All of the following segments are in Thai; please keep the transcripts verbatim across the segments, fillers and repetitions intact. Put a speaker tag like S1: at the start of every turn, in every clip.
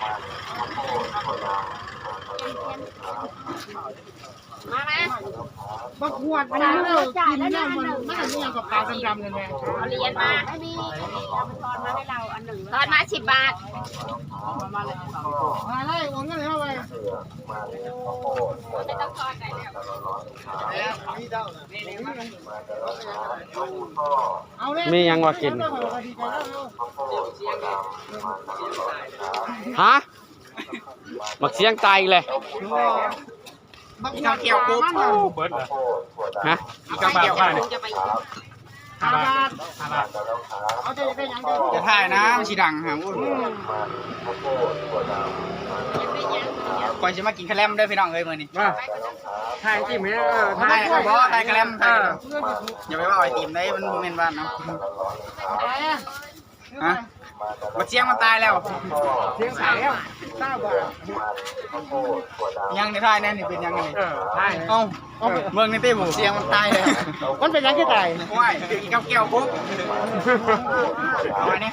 S1: มาไหม
S2: บักขวดมันเลิกกินเนี่ยมันมันจะยังกับปลาดำๆเลยแม่
S1: เอาเหรียญมาไม่มีไม่มีเอาไปทอนมาให้เราอันหนึ่งทอนมาสิบบาท
S2: มาไล่วงเงินเข้าไป
S1: ไม่ต้องทอนไหนแล้ว
S2: เอาเลย
S3: มียังว่ากินฮะบักเสียงตายเลย
S2: บักขวดเกี่ยวปุ๊บ
S4: เบิร์ดเหรอ
S3: ฮะ
S4: อีกกระบะบ้าน
S1: จะไป
S2: ห้าบาท
S4: ห้าบาท
S2: เอาใจได้ยัง
S5: จะถ่ายนะมันสีดังฮะคอยจะมากินคาแรมด้วยพี่น้องเอ้ยมื้อนี้
S4: ว่าถ่ายจิ้มเนี่ยเออ
S5: ถ่ายเอาบ่ถ่ายคาแรมถ่ายอย่าไปว่าไอติมได้มันบ่แม่นบ้านเนาะฮะบักเสียงมันตายแล้ว
S2: เสียงใสแล้วเก้าบาท
S5: ยังในถ่ายแน่นี่เป็นยังไง
S4: เออถ่าย
S5: เอ้าเมืองในเต้บ่เสียงมันตายแล้ว
S2: มันเป็นยังที่ตาย
S5: ว้ายอีกกับแก้วปุ๊บเอาอันนี้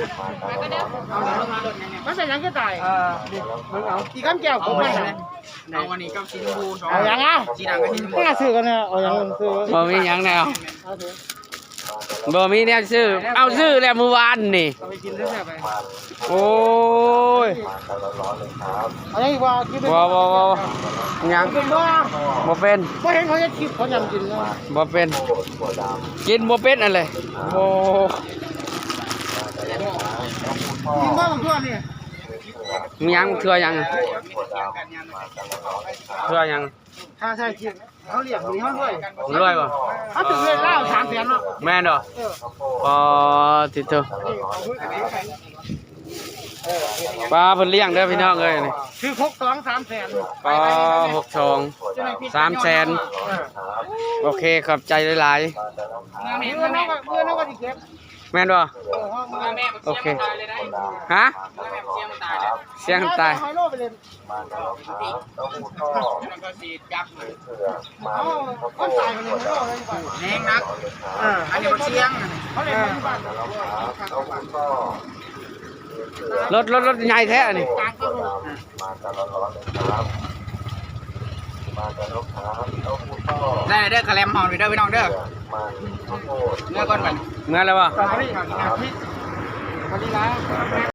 S2: มันเป็นยังที่ตาย
S4: เออมึงเอา
S2: อีกคำแก้ว
S5: เอา
S2: ผม
S5: อั
S2: ไม่
S5: นนี้เอาอันนี้กับสีชมพูสอง
S2: เอาอย่างอ่ะ
S5: สีดังกับสีชมพู
S2: ไม่น่าซื้อกันนะเอาอย่างซื้อ
S3: บ่มีหยังแนว
S2: เอาเถอะ
S3: บ่มีแนวซื้อเอาซื้อแล้วเมื่อวานนี่
S2: เอาไปกินได้ไหมไป
S3: โอ้ย
S2: เอาอย่างอีกว่าคิดเป็น
S3: บ่บ่บ่หยัง
S2: เป็นว่า
S3: บ่เป็น
S2: ไม่เห็นเขาจะคิดเขายำกินนะ
S3: บ่เป็นกินบ่เป็นอะไรโอ้
S2: กินบ้างบางตัวนี่
S3: มีหยังเทื่อหยังเทื่อหยัง
S2: ถ้าใช่กินเขาเรียกหนีเขาด้วย
S3: รวยบ่
S2: เขาถึงเงินเล่าสามแสนเนาะ
S3: แม่นบ่อ๋อติดเถอะปลาเพิ่นเลี้ยงเด้อพี่น้องเอ้ยนี่
S2: คือหกสองสามแสน
S3: ปลาหกสองสามแสนโอเคขอบใจหลาย
S2: เงินน้องก็เงินน้องก็ดีเก็บ
S3: ๆแม่นบ่
S2: เออห้องเงิน
S5: แม่
S3: โอเค
S5: ตายเลยได้
S3: ฮะ
S5: แม่เสียงตายแล้ว
S3: เสียงตาย
S2: ไฮโลไปเลย
S5: แล้วก็สีจับเลย
S2: เขาคนตายไปเลยไฮโลเลยไป
S5: แห้งนักอันนี้บักเสียง
S2: เขาเลยมาที่บ้าน
S3: รถรถรถใหญ่แท้อันนี่
S2: ต่างก็รู้
S5: ได้เด้อคาแรมเฮาเด้อพี่น้องเด้อเนื้อก้อนมัน
S3: เมื่อแล้วบ่
S2: ตอนนี้ตอนนี้นะ